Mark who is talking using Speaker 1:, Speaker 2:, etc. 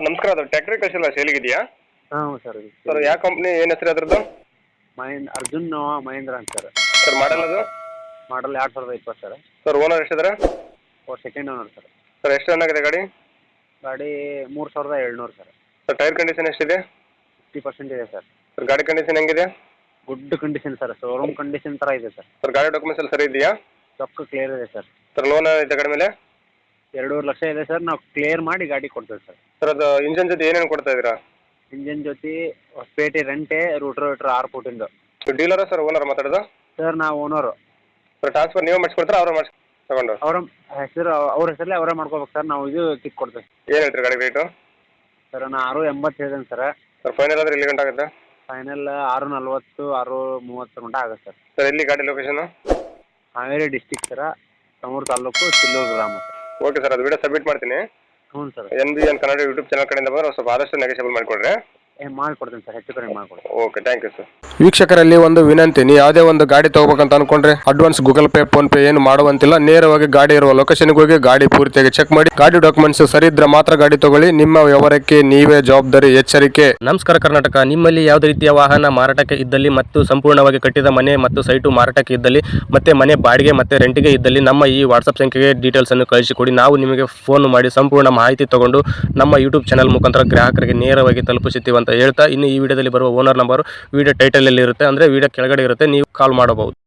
Speaker 1: Sir ನಮಸ್ಕಾರ, ಅದು tractor ಕಳಿಸಿಲ್ಲ ಸೇಲಿಗಿದೆಯಾ?
Speaker 2: ಹಾಂ ಸರ್.
Speaker 1: ಸರ್ ಯಾವ ಕಂಪ್ನಿ, ಏನು ಹೆಸರು ಅದ್ರದ್ದು?
Speaker 2: ಅರ್ಜುನ್ ಮಹೇಂದ್ರ ಅಂತ ಸರ್.
Speaker 1: ಸರ್ ಮಾಡಲ್ ಅದು?
Speaker 2: Model 2020 sir.
Speaker 1: ಸರ್ ಓನರ್ ಎಷ್ಟಿದ್ದಾರೆ?
Speaker 2: Second owner sir.
Speaker 1: ಸರ್ ಎಷ್ಟು ರನ್ ಆಗಿದೆ ಗಾಡಿ?
Speaker 2: ಗಾಡಿ 3700 ಸರ್.
Speaker 1: ಸರ್ ಟೈರ್ ಕಂಡೀಷನ್ ಎಷ್ಟಿದೆ?
Speaker 2: 50% ಇದೆ ಸರ್.
Speaker 1: ಸರ್ ಗಾಡಿ ಕಂಡೀಷನ್ ಹೆಂಗಿದೆ?
Speaker 2: Good condition sir, showroom condition ಥರ ಇದೆ ಸರ್.
Speaker 1: ಸರ್ ಗಾಡಿ ಡಾಕ್ಯುಮೆಂಟ್ಸ್ ಎಲ್ಲ ಸರಿ ಇದೆಯಾ?
Speaker 2: ರೊಕ್ಕ ಕ್ಲಿಯರ್ ಇದೆ ಸರ್.
Speaker 1: ಸರ್ ಲೋನ್ ಇದೆ ಗಾಡಿ ಮೇಲೆ?
Speaker 2: 2.5 ಲಕ್ಷ ಇದೆ ಸರ್. ನಾವು ಕ್ಲಿಯರ್ ಮಾಡಿ ಗಾಡಿ ಕೊಡ್ತೇವೆ ಸರ್.
Speaker 1: ಸರ್ ಅದು ಇಂಜನ್ ಜೊತೆ ಏನೇನು ಕೊಡ್ತಾ ಇದ್ದೀರಾ?
Speaker 2: ಇಂಜನ್ ಜೊತೆ ಹೊಸಪೇಟೆ ರೆಂಟೆ, ರೂಟ್ರ್ 6 ಫೂಟಿಂದು.
Speaker 1: ಡೀಲರಾ ಸರ್ ಓನರ್ ಮಾತಾಡೋದು?
Speaker 2: ಸರ್ ನಾವು ಓನರು.
Speaker 1: ಸರ್ ಟ್ರಾನ್ಸ್ಫರ್ ನೀವೇ ಮಾಡಿಸ್ಕೊಡ್ತಾರ ಅವ್ರು ಮಾಡಿಸ್ ತಗೊಂಡು?
Speaker 2: ಅವ್ರ ಹೆಸರಲ್ಲೇ ಅವರೇ ಮಾಡ್ಕೋಬೇಕು ಸರ್. ನಾವು ಇದು ಕಿಕ್ ಕೊಡ್ತೇವೆ.
Speaker 1: ಏನು ಹೇಳ್ತೀರಿ ಗಾಡಿ ರೇಟು?
Speaker 2: ಸರ್ ನಾನು 6.80 ಹೇಳಿದ್ದೇನೆ ಸರ್.
Speaker 1: ಸರ್ ಫೈನಲ್ ಆದರೆ ಎಲ್ಲಿ ಗಂಟೆ ಆಗುತ್ತೆ?
Speaker 2: ಫೈನಲ್ 6.40 6.30 ಗಂಟೆ ಆಗುತ್ತೆ ಸರ್.
Speaker 1: ಸರ್ ಎಲ್ಲಿ ಗಾಡಿ ಲೊಕೇಶನು?
Speaker 2: ಹಾವೇರಿ ಡಿಸ್ಟಿಕ್ ಸರ, ತಮೂರು ತಾಲೂಕು, ಚಿಲ್ಲೂರು ಗ್ರಾಮ ಸರ್.
Speaker 1: ಓಕೆ ಸರ್, ಅದು ವಿಡಿಯೋ ಸಬ್ಮಿಟ್ ಮಾಡ್ತೀನಿ.
Speaker 2: ಹ್ಞೂ sir.
Speaker 1: NBN Kannada YouTube channel ಕಡೆಯಿಂದ ಬಂದರೆ ಸ್ವಲ್ಪ ಆದಷ್ಟು ನೆಗೆಷಿಯಬಲ್ ಮಾಡಿಕೊಡ್ರಿ.
Speaker 2: ಮಾಡಿಕೊಡ್ತೀನಿ ಸರ್, ಹೆಚ್ಚು ಕಡಿಮೆ ಮಾಡಿಕೊಡ್ತೀನಿ.
Speaker 1: Okay, thank you sir.
Speaker 3: ವೀಕ್ಷಕರಲ್ಲಿ ಒಂದು ವಿನಂತಿ, ನೀವು ಯಾವುದೇ ಒಂದು ಗಾಡಿ ತಗೋಬೇಕಂತ ಅನ್ಕೊಂಡ್ರೆ advance Google Pay PhonePe ಏನು ಮಾಡುವಂತಿಲ್ಲ. ನೇರವಾಗಿ ಗಾಡಿ ಇರುವ ಲೊಕೇಶನ್ಗೆ ಹೋಗಿ ಗಾಡಿ ಪೂರ್ತಿಯಾಗಿ ಚೆಕ್ ಮಾಡಿ, ಗಾಡಿ ಡಾಕ್ಯುಮೆಂಟ್ಸ್ ಸರಿ ಇದ್ರೆ ಮಾತ್ರ ಗಾಡಿ ತಗೊಳ್ಳಿ. ನಿಮ್ಮ ವ್ಯವಹಾರಕ್ಕೆ ನೀವೇ ಜವಾಬ್ದಾರಿ. ಎಚ್ಚರಿಕೆ.
Speaker 4: ನಮಸ್ಕಾರ ಕರ್ನಾಟಕ. ನಿಮ್ಮಲ್ಲಿ ಯಾವುದೇ ರೀತಿಯ ವಾಹನ ಮಾರಾಟಕ್ಕೆ ಇದ್ದಲ್ಲಿ ಮತ್ತು ಸಂಪೂರ್ಣವಾಗಿ ಕಟ್ಟಿದ ಮನೆ ಮತ್ತು ಸೈಟು ಮಾರಾಟಕ್ಕೆ ಇದ್ದಲ್ಲಿ ಮತ್ತೆ ಮನೆ ಬಾಡಿಗೆ ಮತ್ತೆ ರೆಂಟಿಗೆ ಇದ್ದಲ್ಲಿ ನಮ್ಮ ಈ ವಾಟ್ಸಪ್ ಸಂಖ್ಯೆಗೆ ಡೀಟೇಲ್ಸ್ ಅನ್ನು ಕಳಿಸಿಕೊಡಿ. ನಾವು ನಿಮಗೆ ಫೋನ್ ಮಾಡಿ ಸಂಪೂರ್ಣ ಮಾಹಿತಿ ತಗೊಂಡು ನಮ್ಮ ಯೂಟ್ಯೂಬ್ ಚಾನಲ್ ಮುಖಾಂತರ ಗ್ರಾಹಕರಿಗೆ ನೇರವಾಗಿ ತಲುಪಿಸುತ್ತೀವಿ ಅಂತ ಹೇಳ್ತಾ, ಇನ್ನು ಈ ವಿಡಿಯೋದಲ್ಲಿ ಬರುವ ಓನರ್ ನಂಬರ್ ವಿಡಿಯೋ ಟೈಟಲ್ ಅಲ್ಲಿ ಇರುತ್ತೆ, ಅಂದ್ರೆ ವಿಡಿಯೋ ಕೆಳಗಡೆ ಇರುತ್ತೆ, ನೀವು ಕಾಲ್ ಮಾಡಬಹುದು.